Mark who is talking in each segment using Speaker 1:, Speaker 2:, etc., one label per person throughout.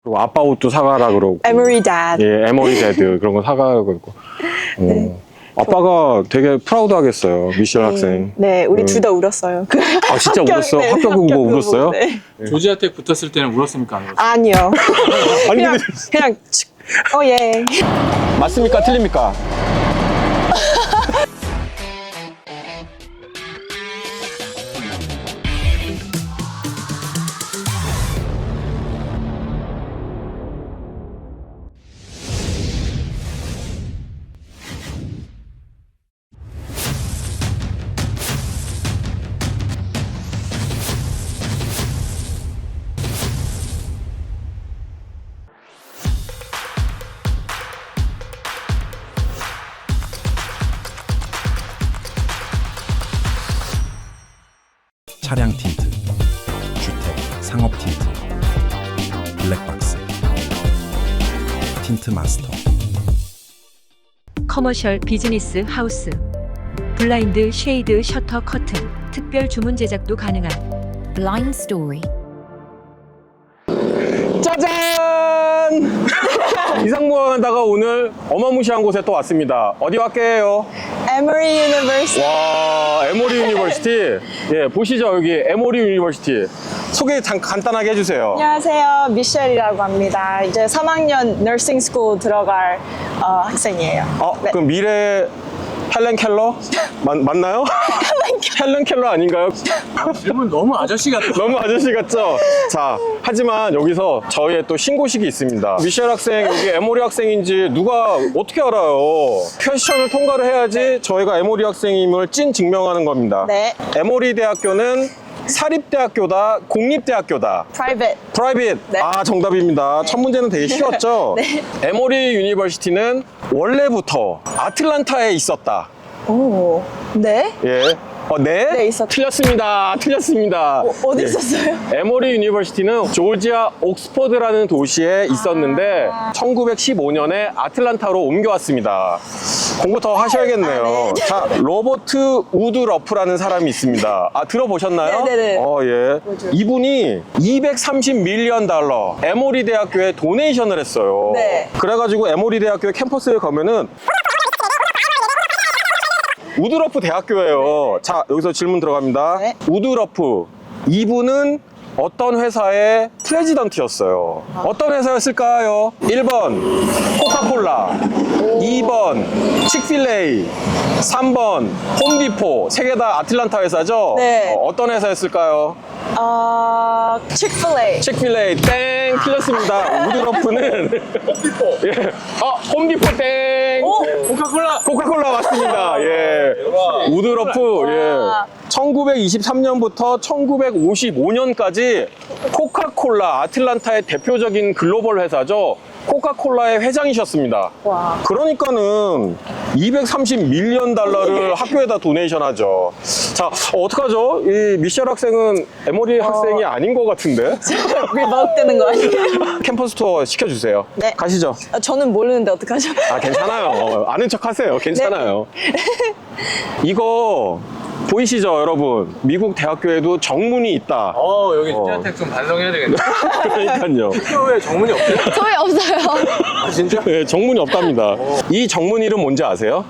Speaker 1: 그리고 아빠 옷도 사가라 그러고.
Speaker 2: Emory Dad.
Speaker 1: 예, 에머리 데드 그런 거 사가라 그러고.
Speaker 2: 네.
Speaker 1: 아빠가 되게 프라우드 하겠어요, 미셸 학생.
Speaker 2: 네, 우리 둘 다 울었어요.
Speaker 1: 아, 진짜 울었어?
Speaker 2: 네,
Speaker 1: 합격 공부 울었어요?
Speaker 2: 네.
Speaker 3: 조지아텍 붙었을 때는 울었습니까? 안 울었어요?
Speaker 2: 아니요.
Speaker 1: 아니, 근데
Speaker 2: 그냥 예.
Speaker 1: 맞습니까? 틀립니까?
Speaker 4: 차량 틴트, 주택, 상업 틴트, 블랙박스, 틴트 마스터.
Speaker 5: 커머셜 비즈니스 하우스, 블라인드 쉐이드 셔터 커튼, 특별 주문 제작도 가능한
Speaker 6: Blind Story.
Speaker 1: 짜잔! 이상무하다가 오늘 어마무시한 곳에 또 왔습니다. 어디 왔게요?
Speaker 2: Emory University.
Speaker 1: 와, 에모리 유니버시티. 예, 보시죠, 여기 에모리 유니버시티. 소개 간단하게 해주세요.
Speaker 2: 안녕하세요. 미셸이라고 합니다. 이제 3학년 너싱 스쿨 들어갈 학생이에요. 네.
Speaker 1: 그럼 미래 헬렌 켈러? 맞나요? 헬렌 켈러 아닌가요?
Speaker 3: 질문 너무 아저씨 같아.
Speaker 1: 너무 아저씨 같죠? 자, 하지만 여기서 저희의 또 신고식이 있습니다. 미셸 학생, 여기 에모리 학생인지 누가 어떻게 알아요? 퀘스천을 통과를 해야지 저희가 에모리 학생임을 찐 증명하는 겁니다.
Speaker 2: 네.
Speaker 1: 에모리 대학교는 사립대학교다, 공립대학교다.
Speaker 2: Private.
Speaker 1: 프라이빗.
Speaker 2: 네.
Speaker 1: 아, 정답입니다. 첫 문제는 되게 쉬웠죠?
Speaker 2: 네.
Speaker 1: 에모리 유니버시티는 원래부터 아틀란타에 있었다.
Speaker 2: 오. 네?
Speaker 1: 예. 네?
Speaker 2: 네, 있었다.
Speaker 1: 틀렸습니다. 틀렸습니다.
Speaker 2: 어디
Speaker 1: 예.
Speaker 2: 있었어요?
Speaker 1: 에모리 유니버시티는 조지아 옥스퍼드라는 도시에 있었는데 1915년에 아틀란타로 옮겨왔습니다. 공부 더 하셔야겠네요.
Speaker 2: 네.
Speaker 1: 자, 로버트 우드러프라는 사람이 있습니다. 아, 들어보셨나요?
Speaker 2: 네네네.
Speaker 1: 예.
Speaker 2: 뭐죠?
Speaker 1: 이분이 230밀리언 달러 에모리 대학교에 도네이션을 했어요.
Speaker 2: 네.
Speaker 1: 그래가지고 에모리 대학교에 캠퍼스에 가면은 우드러프 대학교예요. 자, 여기서 질문 들어갑니다.
Speaker 2: 네.
Speaker 1: 우드러프. 이분은 어떤 회사의 프레지던트였어요? 어떤 회사였을까요? 1번 코카콜라, 2번 칙필레이, 3번 홈디포. 세 개 다 아틀란타 회사죠?
Speaker 2: 네.
Speaker 1: 어떤 회사였을까요?
Speaker 2: Chick-fil-A.
Speaker 1: 칙필레이 땡 틀렸습니다. 우드러프는 홈디포. 예. 홈디포 땡. 코카콜라 맞습니다. 예. 우드러프. 예. 1923년부터 1955년까지 코카콜라 아틀란타의 대표적인 글로벌 회사죠. 코카콜라의 회장이셨습니다.
Speaker 2: 와.
Speaker 1: 그러니까는 230밀리언 달러를 학교에다 도네이션 하죠. 자, 어떡하죠? 이 미셸 학생은 에모리 학생이 아닌 것 같은데?
Speaker 2: 우리 마법되는 거 아니에요?
Speaker 1: 캠퍼스 투어 시켜주세요.
Speaker 2: 네.
Speaker 1: 가시죠.
Speaker 2: 저는 모르는데 어떡하죠?
Speaker 1: 아, 괜찮아요. 아는 척 하세요. 괜찮아요. 이거 보이시죠, 여러분? 미국 대학교에도 정문이 있다.
Speaker 3: 여기 조지아텍 좀 반성해야 되겠네.
Speaker 1: 그러니까요.
Speaker 3: 학교에 정문이 없어요?
Speaker 6: 저희 없어요.
Speaker 3: 아, 진짜?
Speaker 1: 네, 정문이 없답니다. 이 정문 이름 뭔지 아세요?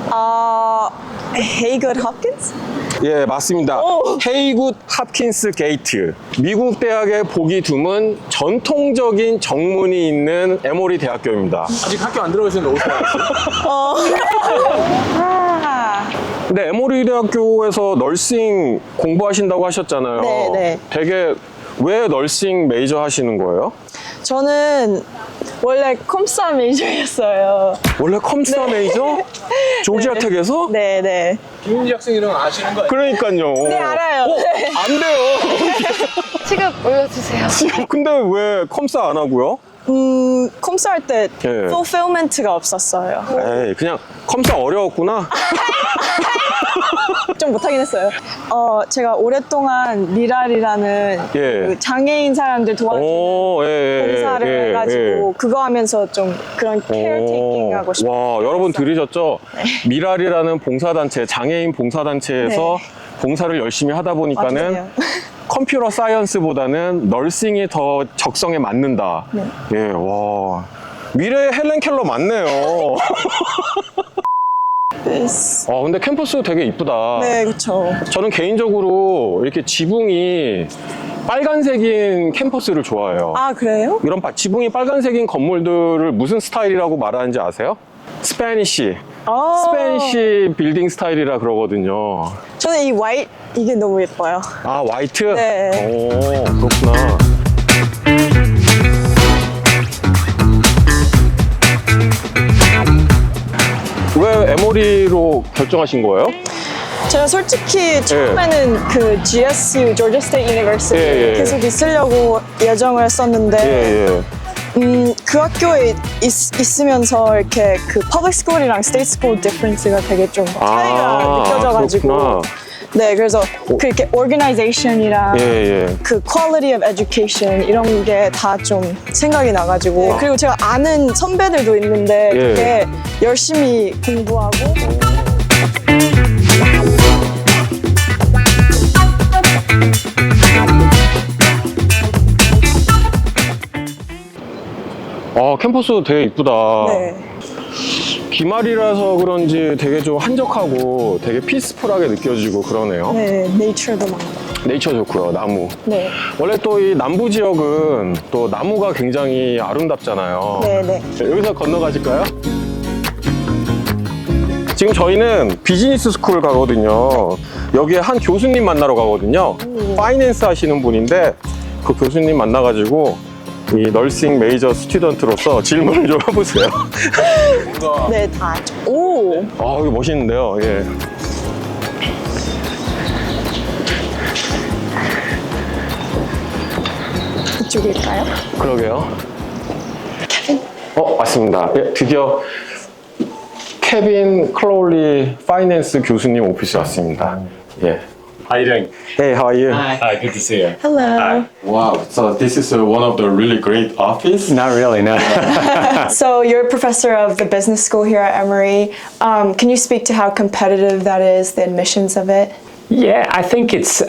Speaker 2: Haygood Hopkins?
Speaker 1: 예, 맞습니다.
Speaker 2: 오.
Speaker 1: 헤이굿 합킨스 게이트. 미국 대학의 보기 드문 전통적인 정문이 있는 에모리 대학교입니다.
Speaker 3: 아직 학교 안 들어가셨는데 어디서 알았어요?
Speaker 1: 근데 에모리 대학교에서 널싱 공부하신다고 하셨잖아요.
Speaker 2: 네, 네.
Speaker 1: 되게 왜 널싱 메이저 하시는 거예요?
Speaker 2: 저는 원래 컴싸 메이저였어요.
Speaker 1: 원래 컴스타 메이저? 조지아텍에서?
Speaker 2: 네네.
Speaker 3: 김윤지 학생이랑 아시는 거 아니에요?
Speaker 1: 그러니까요.
Speaker 2: 네, 알아요.
Speaker 1: 안 돼요.
Speaker 6: 시급 올려주세요.
Speaker 1: 근데 왜 컴스타 안 하고요?
Speaker 2: 컴싸 할 때
Speaker 1: 예.
Speaker 2: fulfillment가 없었어요.
Speaker 1: 에이, 그냥 컴스타 어려웠구나.
Speaker 2: 좀 못하긴 했어요. 제가 오랫동안 미랄이라는
Speaker 1: 예.
Speaker 2: 그 장애인 사람들 도와주는 봉사를 해가지고 그거 하면서 좀 그런 케어테이킹 하고 싶어요.
Speaker 1: 와, 여러분 들으셨죠? 미랄이라는 봉사단체, 장애인 봉사단체에서
Speaker 2: 네.
Speaker 1: 봉사를 열심히 하다 보니까는
Speaker 2: 맞아요.
Speaker 1: 컴퓨터 사이언스보다는 널싱이 더 적성에 맞는다.
Speaker 2: 네.
Speaker 1: 예, 와. 미래의 헬렌 켈러 맞네요. 근데 캠퍼스 되게 이쁘다.
Speaker 2: 네, 그렇죠.
Speaker 1: 저는 개인적으로 이렇게 지붕이 빨간색인 캠퍼스를 좋아해요.
Speaker 2: 아, 그래요?
Speaker 1: 이런 지붕이 빨간색인 건물들을 무슨 스타일이라고 말하는지 아세요? 스페니쉬. 스페니쉬 빌딩 스타일이라 그러거든요.
Speaker 2: 저는 이 화이트 이게 너무 예뻐요.
Speaker 1: 아, 화이트?
Speaker 2: 네.
Speaker 1: 오, 그렇구나. 왜 에모리로 결정하신 거예요?
Speaker 2: 제가 솔직히 처음에는 그 GSU, Georgia State University
Speaker 1: 예, 예.
Speaker 2: 계속 있으려고 예정을 했었는데
Speaker 1: 예, 예.
Speaker 2: 그 학교에 있으면서 이렇게 그 public school이랑 state school difference가 되게 좀 차이가 느껴져가지고
Speaker 1: 그렇구나.
Speaker 2: 네, 그래서 그 이렇게 organization이랑
Speaker 1: 예, 예.
Speaker 2: 그 quality of education 이런 게 다 좀 생각이 나가지고 그리고 제가 아는 선배들도 있는데
Speaker 1: 예.
Speaker 2: 되게 열심히 공부하고
Speaker 1: 캠퍼스 되게 이쁘다.
Speaker 2: 네.
Speaker 1: 기말이라서 그런지 되게 좀 한적하고 되게 피스풀하게 느껴지고 그러네요.
Speaker 2: 네, 네이처도 많고.
Speaker 1: 네이처 좋고요, 나무.
Speaker 2: 네.
Speaker 1: 원래 또 이 남부 지역은 또 나무가 굉장히 아름답잖아요.
Speaker 2: 네, 네.
Speaker 1: 여기서 건너가실까요? 지금 저희는 비즈니스 스쿨 가거든요. 여기에 한 교수님 만나러 가거든요. 파이낸스 하시는 분인데 그 교수님 만나가지고 이 널싱 메이저 스튜던트로서 질문을 좀 해보세요.
Speaker 2: 네, 다. 오!
Speaker 1: 아, 이거 멋있는데요. 예.
Speaker 2: 이쪽일까요?
Speaker 1: 그러게요. 맞습니다. 예, 드디어 케빈 클로울리 파이낸스 교수님 오피스 왔습니다. 예.
Speaker 7: How you doing?
Speaker 1: Hey, how are you?
Speaker 7: Hi, good to see you.
Speaker 2: Hello.
Speaker 1: Wow, so this is one of the really great office.
Speaker 7: Not really, no.
Speaker 2: So you're a professor of the business school here at Emory. Can you speak to how competitive that is, the admissions of it?
Speaker 7: Yeah, I think it's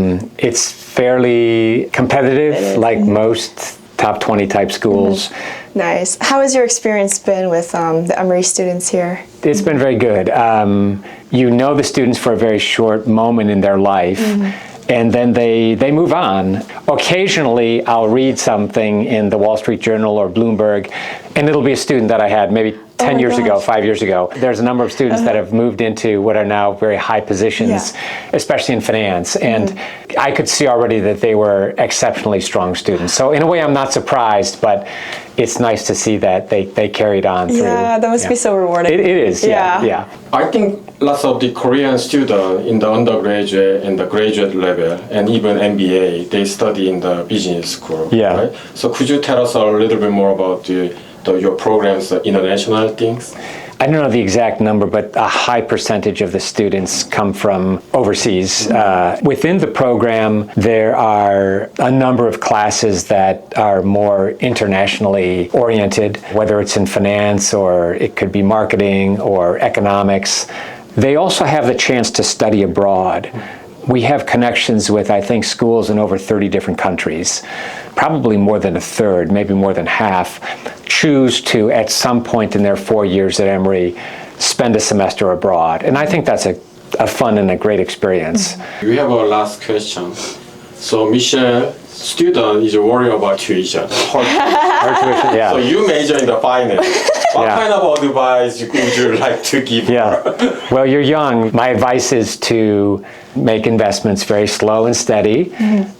Speaker 7: fairly competitive, like most top 20 type schools.
Speaker 2: Nice. How has your experience been with the Emory students here?
Speaker 7: It's been very good. You know the students for a very short moment in their life, and then they move on. Occasionally, I'll read something in the Wall Street Journal or Bloomberg, and it'll be a student that I had maybe 10 years ago, 5 years ago. There's a number of students that have moved into what are now very high positions, especially in finance, and I could see already that they were exceptionally strong students. So in a way, I'm not surprised, but it's nice to see that they carried on through.
Speaker 2: Yeah, that must be so rewarding.
Speaker 7: It is, yeah.
Speaker 1: I think lots of the Korean students in the undergraduate and the graduate level and even MBA, they study in the business school.
Speaker 7: Yeah.
Speaker 1: Right? So could you tell us a little bit more about your programs, international things?
Speaker 7: I don't know the exact number, but a high percentage of the students come from overseas. Within the program, there are a number of classes that are more internationally oriented, whether it's in finance or it could be marketing or economics. They also have the chance to study abroad. We have connections with, I think, schools in over 30 different countries. Probably more than a third, maybe more than half, choose to, at some point in their 4 years at Emory, spend a semester abroad. And I think that's a fun and a great experience.
Speaker 1: We have a last question. So Michelle, student is worried about tuition.
Speaker 7: Our tuition,
Speaker 1: So you major in the finance. What
Speaker 7: Yeah.
Speaker 1: kind of advice would you like to give her?
Speaker 7: Yeah. Well, you're young. My advice is to make investments very slow and steady.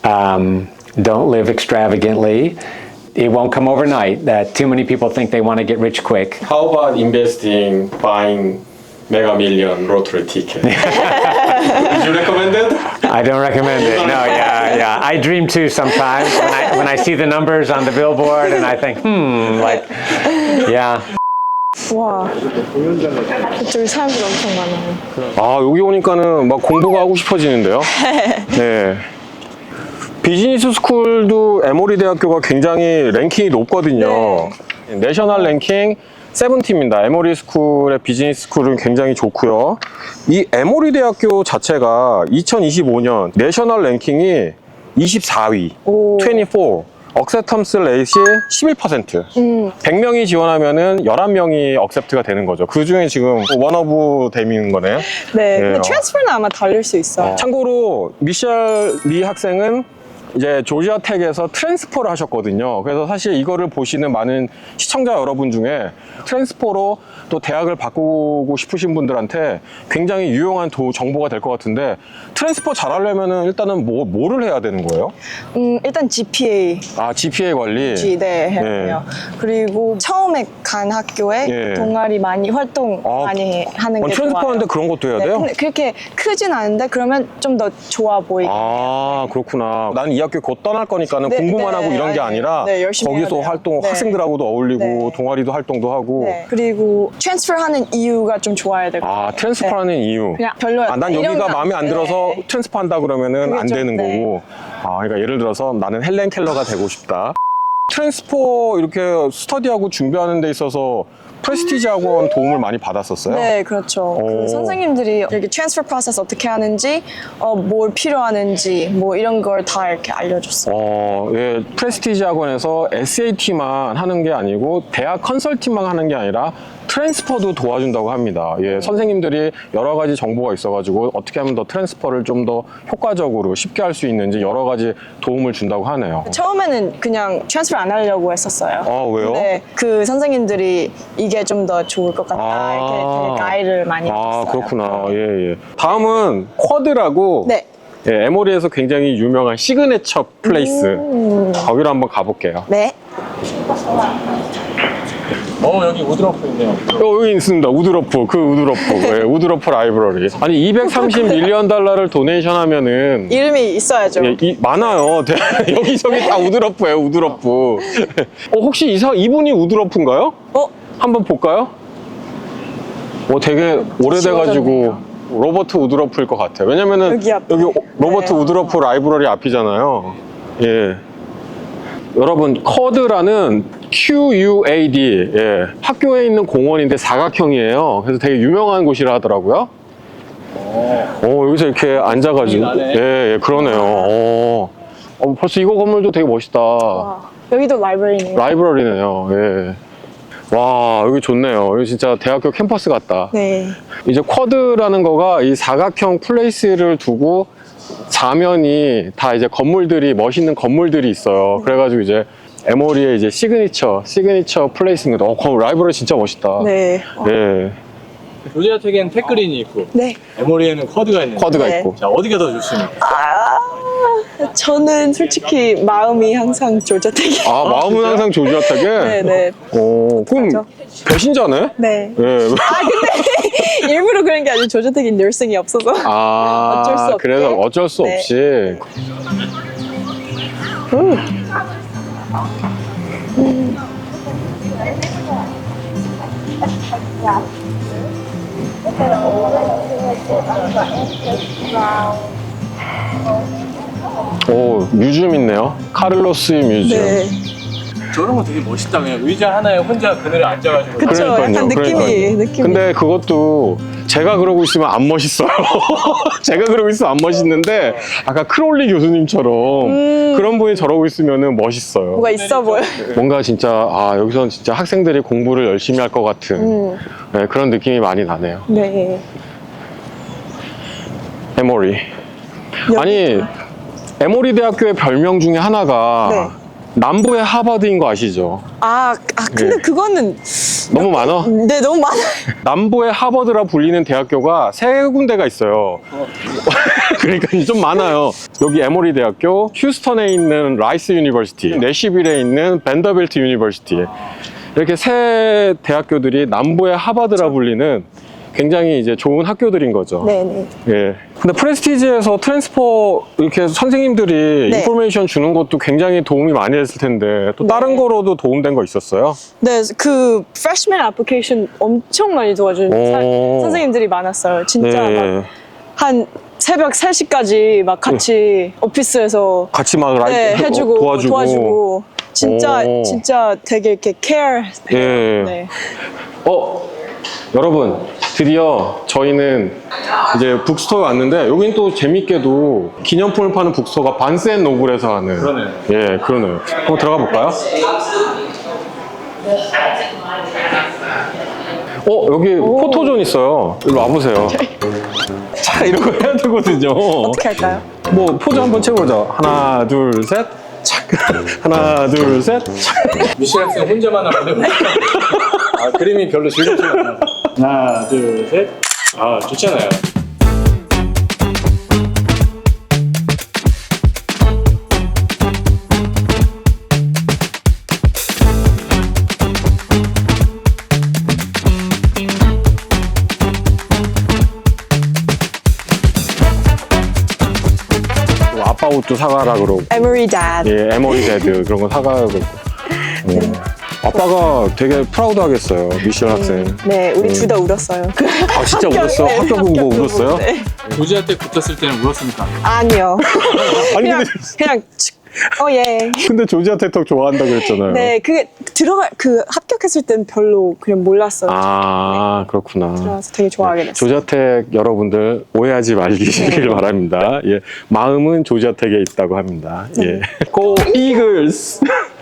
Speaker 7: Don't live extravagantly. It won't come overnight. Too many people think they want to get rich quick.
Speaker 1: How about investing, buying Mega Million lottery ticket? Would you recommend it?
Speaker 7: I don't recommend it. No, yeah. I dream too sometimes when I see the numbers on the billboard and I think, yeah.
Speaker 2: 와, 이쪽에 사람들 엄청 많아요.
Speaker 1: 여기 오니까는 막 공부가 하고 싶어지는데요. 네. 비즈니스 스쿨도 에모리 대학교가 굉장히 랭킹이 높거든요. 내셔널 랭킹 70입니다. 에모리 스쿨의 비즈니스 스쿨은 굉장히 좋고요. 이 에모리 대학교 자체가 2025년 내셔널 랭킹이 24위,
Speaker 2: 오.
Speaker 1: 24. 억셉턴스 레이시 11%. 100명이 지원하면은 11명이 억셉트가 되는 거죠. 그 중에 지금 원 오브 댐인 거네.
Speaker 2: 네,
Speaker 1: 예.
Speaker 2: 근데 트랜스퍼는 아마 다를 수 있어요.
Speaker 1: 참고로 미셸 리 학생은 이제 조지아 텍에서 트랜스퍼를 하셨거든요. 그래서 사실 이거를 보시는 많은 시청자 여러분 중에 트랜스퍼로 또 대학을 바꾸고 싶으신 분들한테 굉장히 유용한 정보가 될 것 같은데, 트랜스퍼 잘하려면은 일단은 뭐를 해야 되는 거예요?
Speaker 2: 일단 GPA
Speaker 1: 아, GPA 관리.
Speaker 2: 네, 해야
Speaker 1: 예.
Speaker 2: 돼요. 그리고 처음에 간 학교에
Speaker 1: 예.
Speaker 2: 동아리 많이 활동
Speaker 1: 아,
Speaker 2: 많이 하는 게
Speaker 1: 트랜스퍼
Speaker 2: 좋아요.
Speaker 1: 하는데 그런 것도 해야
Speaker 2: 네,
Speaker 1: 돼요?
Speaker 2: 근데 그렇게 크진 않은데 그러면 좀 더 좋아 보이게.
Speaker 1: 아, 그렇구나. 난 이 학교 곧 떠날 거니까는
Speaker 2: 네,
Speaker 1: 공부만
Speaker 2: 네,
Speaker 1: 하고 이런 게
Speaker 2: 아니,
Speaker 1: 아니라
Speaker 2: 네, 열심히
Speaker 1: 거기서
Speaker 2: 해야 돼요.
Speaker 1: 활동,
Speaker 2: 네.
Speaker 1: 학생들하고도 어울리고
Speaker 2: 네.
Speaker 1: 동아리도 활동도 하고.
Speaker 2: 네. 그리고 트랜스퍼 하는 이유가 좀 좋아야 될 것 같아요.
Speaker 1: 아, 트랜스퍼 하는 이유.
Speaker 2: 그냥 별로야.
Speaker 1: 아, 난
Speaker 2: 이런
Speaker 1: 여기가
Speaker 2: 거
Speaker 1: 마음에 안 들어서
Speaker 2: 네.
Speaker 1: 트랜스퍼 한다 그러면은
Speaker 2: 그게
Speaker 1: 안
Speaker 2: 좀,
Speaker 1: 되는
Speaker 2: 네.
Speaker 1: 거고. 아, 그러니까 예를 들어서 나는 헬렌 켈러가 되고 싶다. 트랜스퍼 이렇게 스터디하고 준비하는 데 있어서 프레스티지 학원 도움을 많이 받았었어요.
Speaker 2: 네, 그렇죠.
Speaker 1: 오.
Speaker 2: 그 선생님들이 이렇게 트랜스퍼 프로세스 어떻게 하는지, 뭘 필요하는지, 뭐 이런 걸 다 이렇게 알려줬어요.
Speaker 1: 예, 프레스티지 학원에서 SAT만 하는 게 아니고 대학 컨설팅만 하는 게 아니라 트랜스퍼도 도와준다고 합니다. 예, 선생님들이 여러 가지 정보가 있어가지고 어떻게 하면 더 트랜스퍼를 좀 더 효과적으로 쉽게 할 수 있는지 여러 가지 도움을 준다고 하네요.
Speaker 2: 처음에는 그냥 트랜스퍼 안 하려고 했었어요.
Speaker 1: 아, 왜요?
Speaker 2: 근데 그 선생님들이 이게 좀 더 좋을 것 같다 이렇게 되게 가이드를 많이
Speaker 1: 아,
Speaker 2: 해줬어요.
Speaker 1: 그렇구나. 예, 예. 다음은 쿼드라고
Speaker 2: 네.
Speaker 1: 예, 에모리에서 굉장히 유명한 시그네처 플레이스. 거기로 한번 가볼게요.
Speaker 2: 네.
Speaker 3: 여기 우드러프 있네요.
Speaker 1: 여기 있습니다. 우드러프. 그 우드러프. 예, 우드러프 라이브러리. 아니, 230 밀리언 달러를 도네이션 하면은
Speaker 2: 이름이 있어야죠.
Speaker 1: 예, 많아요. 여기저기 다 우드러프예요, 우드러프. 혹시 이분이 우드러프인가요? 한번 볼까요? 되게 오래돼가지고 로버트 우드러프일 것 같아요. 왜냐면은
Speaker 2: 여기 앞에.
Speaker 1: 로버트
Speaker 2: 네.
Speaker 1: 우드러프 라이브러리 앞이잖아요. 예. 여러분, 쿼드라는 QUAD, 예, 학교에 있는 공원인데 사각형이에요. 그래서 되게 유명한 곳이라 하더라고요. 여기서 이렇게 앉아가지고,
Speaker 3: 나네.
Speaker 1: 예, 그러네요. 벌써 이거 건물도 되게 멋있다.
Speaker 2: 여기도 라이브러리네요.
Speaker 1: 라이브러리네요. 예. 와, 여기 좋네요. 여기 진짜 대학교 캠퍼스 같다.
Speaker 2: 네.
Speaker 1: 이제 쿼드라는 거가 이 사각형 플레이스를 두고 사면이 다 이제 건물들이, 멋있는 건물들이 있어요. 그래가지고 이제 에모리의 이제 시그니처 플레이스입니다. 라이브러리 진짜 멋있다.
Speaker 2: 네.
Speaker 1: 예.
Speaker 3: 조지아 텍에는 텍그린이 있고
Speaker 2: 네.
Speaker 3: 에모리에는 쿼드가 있는데
Speaker 1: 쿼드가
Speaker 2: 네.
Speaker 1: 있고.
Speaker 3: 자, 어디가 더 좋습니까?
Speaker 2: 저는 솔직히 마음이 항상 조자택이에요.
Speaker 1: 아, 마음은 항상 조지아타게?
Speaker 2: 네네.
Speaker 1: 그럼
Speaker 2: 맞아.
Speaker 1: 배신자네?
Speaker 2: 네.
Speaker 1: 예.
Speaker 2: 일부러 그런 게 아니고 조자택이 늘승이 없어서.
Speaker 1: 아,
Speaker 2: 어쩔 수 없게.
Speaker 1: 그래서 어쩔 수
Speaker 2: 네.
Speaker 1: 없이. 뮤지엄 있네요. 카를로스 뮤지엄.
Speaker 2: 네.
Speaker 3: 저런 거 되게 멋있다. 그냥 의자 하나에 혼자 그늘에 앉아가지고.
Speaker 2: 그쵸. 약간 느낌이.
Speaker 1: 근데 그것도 제가 그러고 있으면 안 멋있어요. 제가 그러고 있으면 안 멋있는데 아까 크롤리 교수님처럼 그런 분이 저러고 있으면 멋있어요.
Speaker 2: 뭐가 있어 보여.
Speaker 1: 뭔가 진짜 여기서는 진짜 학생들이 공부를 열심히 할 것 같은 네, 그런 느낌이 많이 나네요.
Speaker 2: 네.
Speaker 1: 에모리. 아니, 에모리 대학교의 별명 중에 하나가
Speaker 2: 네.
Speaker 1: 남부의 하버드인 거 아시죠?
Speaker 2: 근데
Speaker 1: 예.
Speaker 2: 그거는
Speaker 1: 너무 많아?
Speaker 2: 네 너무 많아요.
Speaker 1: 남부의 하버드라 불리는 대학교가 3군데가 있어요. 그러니까 좀 많아요. 여기 에모리 대학교, 휴스턴에 있는 라이스 유니버시티, 내시빌에 있는 밴더빌트 유니버시티. 이렇게 3 대학교들이 남부의 하버드라 불리는 굉장히 이제 좋은 학교들인 거죠.
Speaker 2: 네네.
Speaker 1: 예. 근데 프레스티지에서 트랜스퍼 이렇게 선생님들이
Speaker 2: 네.
Speaker 1: 인포메이션 주는 것도 굉장히 도움이 많이 됐을 텐데 또 다른 거로도 도움된 거 있었어요?
Speaker 2: 네, 그 freshman application 엄청 많이 도와주는
Speaker 1: 오.
Speaker 2: 선생님들이 많았어요. 진짜
Speaker 1: 예.
Speaker 2: 막 한 새벽 3시까지 막 같이 오피스에서
Speaker 1: 같이 막
Speaker 2: 네, 해주고
Speaker 1: 도와주고.
Speaker 2: 진짜
Speaker 1: 오.
Speaker 2: 진짜 되게 이렇게 care.
Speaker 1: 예.
Speaker 2: 네.
Speaker 1: 여러분, 드디어 저희는 이제 북스토어에 왔는데 여긴 또 재밌게도 기념품을 파는 북스토어가 반스앤노블에서 하는.
Speaker 3: 그러네요.
Speaker 1: 예, 그러네요. 한번 들어가 볼까요? 여기 포토존 있어요. 일로 와보세요. 자, 이런 거 해야 되거든요.
Speaker 2: 어떻게 할까요?
Speaker 1: 뭐 포즈 한번 채워보자. 하나, 둘, 셋. 착. 하나, 둘, 셋. 착.
Speaker 3: 미셸 학생 혼자만 하면 됩니다. 아, 그림이 별로 즐겁지 않아요. 하나, 둘, 셋. 아, 좋잖아요.
Speaker 1: 아빠 옷도 사가라 그러고.
Speaker 2: Emory Dad.
Speaker 1: 예, 에머리 데드 그런 거 사가고. 아빠가 되게 프라우드 하겠어요. 미셸 학생.
Speaker 2: 네, 우리 둘 다 울었어요.
Speaker 1: 아, 진짜 울었어?
Speaker 2: 네,
Speaker 1: 합격 공고 울었어요?
Speaker 2: 네.
Speaker 3: 조지한테 붙었을 때는 울었습니까?
Speaker 2: 아니요.
Speaker 1: 아니,
Speaker 2: 그냥 예.
Speaker 1: 근데 조지아 테톡 좋아한다 그랬잖아요.
Speaker 2: 네, 그게 합격했을 땐 별로 그냥 몰랐어요.
Speaker 1: 아, 그렇구나.
Speaker 2: 그래서 되게 좋아하게 됐어요.
Speaker 1: 조자택 여러분들 오해하지 말기를 바랍니다. 예, 마음은 조자택에 있다고 합니다. 예, 고 이글스.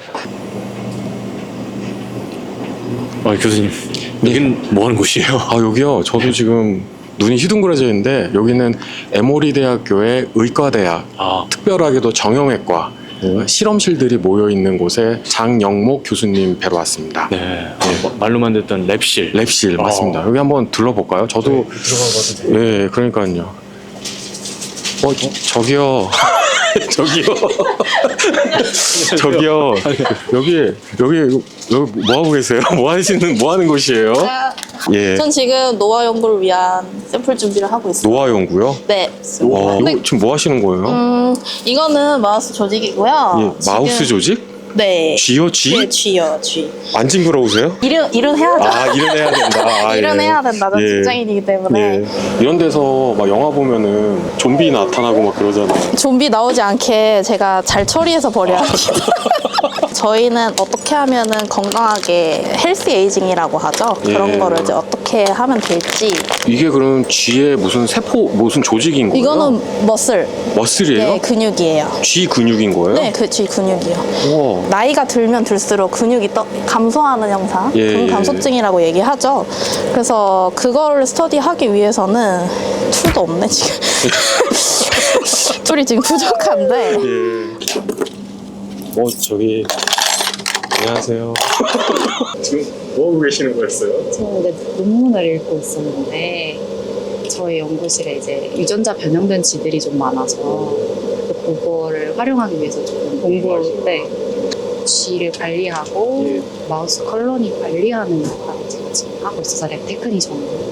Speaker 1: 교수님, 여긴 뭐 하는 곳이에요? 아, 여기요. 저도 지금 눈이 휘둥그레져 있는데 여기는 에모리 대학교의 의과대학, 특별하게도 정형외과 실험실들이 모여 있는 곳에 장영목 교수님 뵈러 왔습니다.
Speaker 3: 네. 말로만 듣던 랩실.
Speaker 1: 랩실 맞습니다. 여기 한번 둘러볼까요? 저도
Speaker 3: 들어가봐도 돼요?
Speaker 1: 예, 그러니까요. 저기요. 저기요. 여기 뭐 하고 계세요? 뭐 하는 곳이에요? 예.
Speaker 8: 전 지금 노화 연구를 위한 샘플 준비를 하고 있어요.
Speaker 1: 노화 연구요?
Speaker 8: 네.
Speaker 1: 이거 지금 뭐 하시는 거예요?
Speaker 8: 이거는 마우스 조직이고요.
Speaker 1: 예, 마우스 조직?
Speaker 8: 네.
Speaker 1: 쥐요, 쥐?
Speaker 8: 네, 쥐요, 쥐.
Speaker 1: 안 징그러우세요?
Speaker 8: 일은 해야죠.
Speaker 1: 아, 일은 해야 된다. 아,
Speaker 8: 일은
Speaker 1: 예.
Speaker 8: 해야 된다. 전
Speaker 1: 예.
Speaker 8: 직장인이기 때문에.
Speaker 1: 예. 이런 데서 막 영화 보면은 좀비 나타나고 막 그러잖아요.
Speaker 8: 좀비 나오지 않게 제가 잘 처리해서 버려야 합니다. 저희는 어떻게 하면은 건강하게 헬스 에이징이라고 하죠. 그런
Speaker 1: 예.
Speaker 8: 거를 이제 어떻게 하면 될지.
Speaker 1: 이게 그럼 쥐의 무슨 무슨 조직인 거예요?
Speaker 8: 이거는
Speaker 1: 머슬이에요?
Speaker 8: 네, 근육이에요.
Speaker 1: 쥐 근육인 거예요?
Speaker 8: 네, 쥐 근육이요.
Speaker 1: 우와.
Speaker 8: 나이가 들면 들수록 근육이 감소하는 현상,
Speaker 1: 예,
Speaker 8: 근감소증이라고 얘기하죠. 그래서 그거를 스터디하기 위해서는 툴도 없네 지금. 툴이 지금 부족한데.
Speaker 1: 예. 저기 안녕하세요. 지금 뭐 하고 계시는 거였어요?
Speaker 9: 저는 이제 논문을 읽고 있었는데 저희 연구실에 이제 유전자 변형된 쥐들이 좀 많아서 그거를 활용하기 위해서 조금 공부할 때 쥐를 관리하고 마우스 컬러니 관리하는 역할을 제가 지금 하고 있어서 랩 테크니션으로.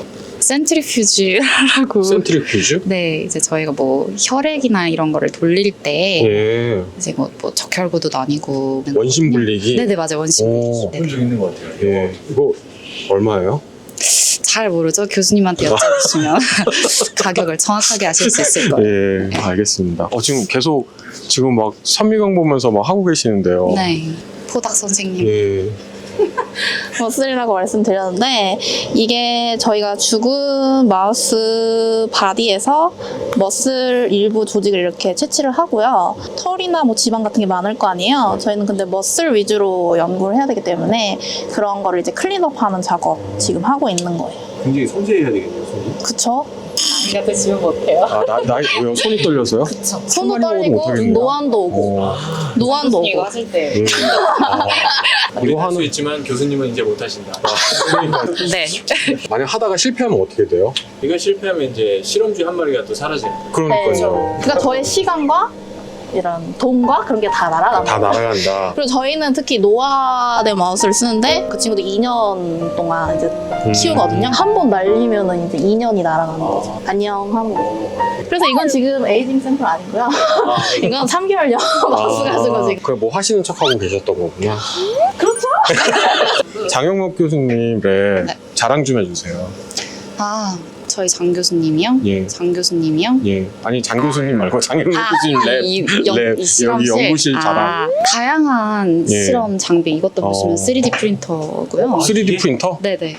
Speaker 9: 센트리퓨즈라고.
Speaker 1: 센트리퓨즈?
Speaker 9: 네, 이제 저희가 뭐 혈액이나 이런 거를 돌릴 때
Speaker 1: 예.
Speaker 9: 이제 뭐 적혈구도 아니고
Speaker 1: 원심 분리기?
Speaker 9: 네네 맞아요, 원심
Speaker 1: 오.
Speaker 9: 분리기.
Speaker 3: 좀 있는 것 같아요.
Speaker 1: 예. 이거 얼마예요?
Speaker 9: 잘 모르죠. 교수님한테 여쭤보시면 가격을 정확하게 아실 수 있을 거예요.
Speaker 1: 예, 알겠습니다. 지금 막 선미경 보면서 막 하고 계시는데요.
Speaker 9: 네, 포닥 선생님.
Speaker 1: 예.
Speaker 8: 머슬이라고 말씀드렸는데 이게 저희가 죽은 마우스 바디에서 머슬 일부 조직을 이렇게 채취를 하고요. 털이나 뭐 지방 같은 게 많을 거 아니에요. 저희는 근데 머슬 위주로 연구를 해야 되기 때문에 그런 거를 이제 클린업하는 작업 지금 하고 있는 거예요.
Speaker 3: 굉장히 섬세해야 되겠네요, 손이.
Speaker 8: 그쵸?
Speaker 9: 제가 드시면 못해요.
Speaker 1: 왜요? 손이 떨려서요?
Speaker 8: 손도
Speaker 1: 먹어도
Speaker 8: 떨리고
Speaker 1: 못하겠네요.
Speaker 8: 노안도 오고 노안도 오고.
Speaker 9: 이거 하실 때.
Speaker 3: 우리 할 수 있지만 교수님은 이제 못 하신다.
Speaker 9: 네.
Speaker 1: 만약 하다가 실패하면 어떻게 돼요?
Speaker 3: 이거 실패하면 이제 실험쥐 한 마리가 또 사라지는 거예요.
Speaker 1: 그러니까요.
Speaker 8: 그러니까 저의 시간과 이런 돈과 그런 게 다 날아가는
Speaker 1: 다
Speaker 8: 거예요.
Speaker 1: 날아간다.
Speaker 8: 그리고 저희는 특히 노화된 마우스를 쓰는데 그 친구도 2년 동안 이제 키우거든요. 한 번 날리면은 이제 2년이 날아가는 거죠. 안녕 하는 거. 그래서 이건 지금 에이징 샘플 아니고요. 이건 3개월형 마우스 가지고 지금.
Speaker 1: 그래 뭐 하시는 척하고 계셨던 거구나.
Speaker 8: 그렇죠?
Speaker 1: 장영목 교수님의
Speaker 9: 네.
Speaker 1: 자랑 좀 해주세요.
Speaker 9: 아, 저희 장 교수님이요?
Speaker 1: 예.
Speaker 9: 장 교수님이요?
Speaker 1: 예. 아니 장 교수님 말고 장영목 교수님 랩.
Speaker 9: 이 실험실.
Speaker 1: 여기 연구실 자랑.
Speaker 9: 다양한
Speaker 1: 예.
Speaker 9: 실험 장비 이것도 보시면 3D 프린터고요.
Speaker 1: 3D 프린터?
Speaker 9: 네네.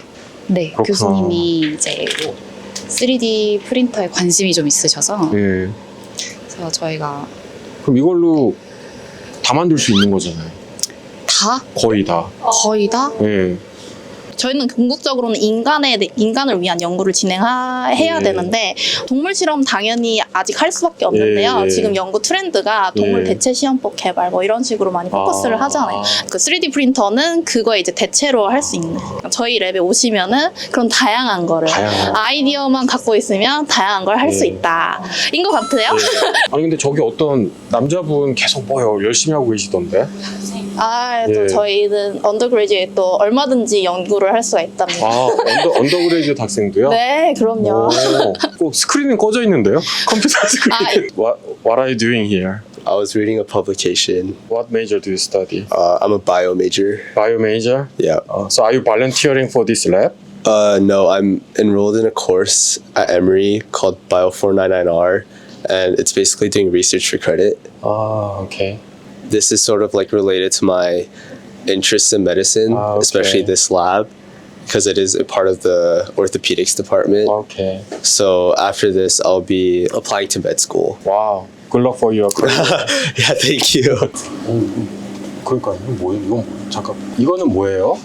Speaker 9: 네,
Speaker 1: 그렇구나.
Speaker 9: 교수님이 이제 뭐 3D 프린터에 관심이 좀 있으셔서
Speaker 1: 예.
Speaker 9: 그래서 저희가
Speaker 1: 그럼 이걸로 다 만들 수 있는 거잖아요.
Speaker 8: 다?
Speaker 1: 거의 다.
Speaker 8: 거의 다?
Speaker 1: 예.
Speaker 8: 저희는 궁극적으로는 인간을 위한 연구를 진행해야
Speaker 1: 예.
Speaker 8: 되는데 동물 실험 당연히 아직 할 수밖에 없는데요.
Speaker 1: 예, 예.
Speaker 8: 지금 연구 트렌드가 동물
Speaker 1: 예.
Speaker 8: 대체 시험법 개발 뭐 이런 식으로 많이 포커스를
Speaker 1: 아.
Speaker 8: 하잖아요. 그 3D 프린터는 그거에 이제 대체로 할 수 있는. 저희 랩에 오시면은 그런 다양한 거를
Speaker 1: 다양한.
Speaker 8: 아이디어만 갖고 있으면 다양한 걸 할 수
Speaker 1: 예.
Speaker 8: 있다. 인 것 같아요.
Speaker 1: 아니 근데 저기 어떤 남자분 계속 뭐요 열심히 하고 계시던데?
Speaker 8: 아, 또
Speaker 1: 예.
Speaker 8: 저희는 언더그레이드에 또 얼마든지 연구를 할 수가 있답니다.
Speaker 1: 아 언더그레이드 학생도요?
Speaker 8: 네, 그럼요.
Speaker 1: 꼭 스크린은 꺼져 있는데요? 컴퓨터 스크린. What are you doing here?
Speaker 10: I was reading a publication.
Speaker 1: What major do you study?
Speaker 10: I'm a bio major.
Speaker 1: Bio major?
Speaker 10: Yeah.
Speaker 1: So are you volunteering for this lab?
Speaker 10: No, I'm enrolled in a course at Emory called Bio 499R, and it's basically doing research for credit.
Speaker 1: Ah, okay.
Speaker 10: This is sort of like related to my interests in medicine,
Speaker 1: Ah, okay.
Speaker 10: especially this lab, because it is a part of the orthopedics department.
Speaker 1: Okay.
Speaker 10: So after this, I'll be applying to med school.
Speaker 1: Wow. Good luck for your career.
Speaker 10: Yeah, thank you.
Speaker 1: 그러니까 이건 뭐예요? 이건 뭐예요? 잠깐. 이거는 뭐예요?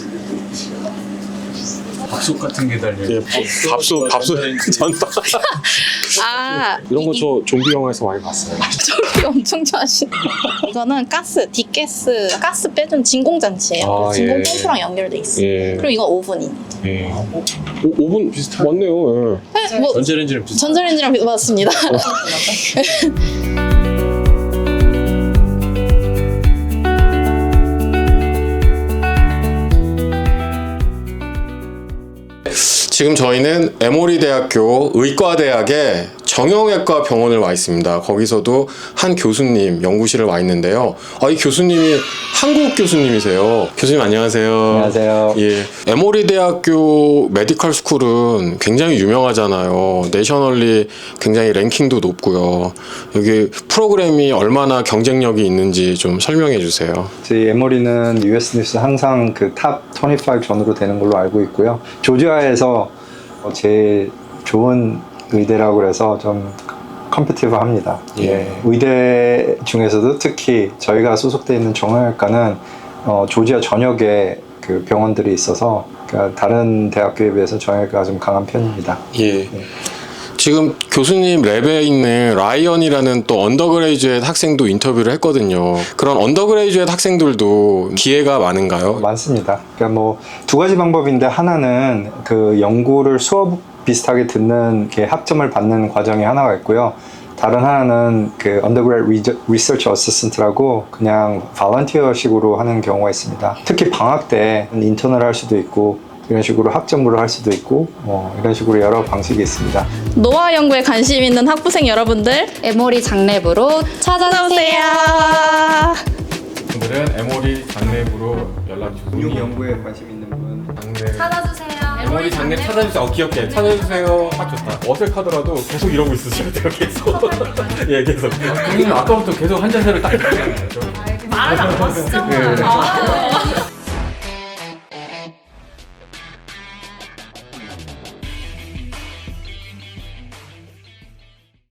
Speaker 3: 밥솥 같은 게 달려.
Speaker 1: 예, 밥솥 전파.
Speaker 8: 아,
Speaker 1: 이런 거 저 좀비 영화에서 많이 봤어요.
Speaker 8: 저기 엄청 좋아하시네. 이거는 가스 빼준 진공장치예요.
Speaker 1: 아,
Speaker 8: 진공
Speaker 1: 예.
Speaker 8: 펌프랑 연결돼 있어요.
Speaker 1: 예.
Speaker 8: 그리고 이건 오븐입니다.
Speaker 1: 예. 5분 비슷한 맞네요. 예.
Speaker 8: 네, 뭐
Speaker 3: 전자레인지랑 비슷.
Speaker 8: 전자레인지랑 맞습니다.
Speaker 1: 지금 저희는 에모리 대학교 의과대학의 정형외과 병원을 와 있습니다. 거기서도 한 교수님 연구실을 와 있는데요. 이 교수님이 한국 교수님이세요. 교수님 안녕하세요.
Speaker 7: 안녕하세요.
Speaker 1: 예, 에모리 대학교 메디컬 스쿨은 굉장히 유명하잖아요. 내셔널리 굉장히 랭킹도 높고요. 여기 프로그램이 얼마나 경쟁력이 있는지 좀 설명해 주세요.
Speaker 11: 저희 에모리는 US 뉴스 항상 그 탑 25 전으로 되는 걸로 알고 있고요. 조지아에서 제일 좋은 의대라고 해서 좀 컴피티브합니다.
Speaker 1: 예.
Speaker 11: 의대 중에서도 특히 저희가 소속돼 있는 정형외과는 조지아 전역에 그 병원들이 있어서 그러니까 다른 대학교에 비해서 정형외과가 좀 강한 편입니다.
Speaker 1: 예. 지금 교수님 랩에 있는 라이언이라는 또 언더그레이주엣 학생도 인터뷰를 했거든요. 그런 언더그레이주엣 학생들도 기회가 많은가요?
Speaker 11: 많습니다. 그러니까 뭐 두 가지 방법인데 하나는 그 연구를 수업 비슷하게 듣는 게 학점을 받는 과정이 하나가 있고요. 다른 하나는 그 undergrad research assistant라고 그냥 volunteer식으로 하는 경우가 있습니다. 특히 방학 때 인턴을 할 수도 있고 이런 식으로 학점으로 할 수도 있고 이런 식으로 여러 방식이 있습니다.
Speaker 8: 노화 연구에 관심 있는 학부생 여러분들
Speaker 6: 에모리 장랩으로
Speaker 8: 찾아오세요.
Speaker 1: 오늘은 에모리 장랩으로 연락 주세요.
Speaker 11: 연구에 관심 있는 분
Speaker 6: 찾아주세요.
Speaker 1: 에모리 장랩 찾아주세요. 귀엽게 찾아주세요. 딱 좋다. 어색하더라도 계속 이러고 있으셔야 돼요. 계속. 예, 계속.
Speaker 3: 형님 아까부터 계속 한 자세를 딱.
Speaker 6: 말을 안 봤어.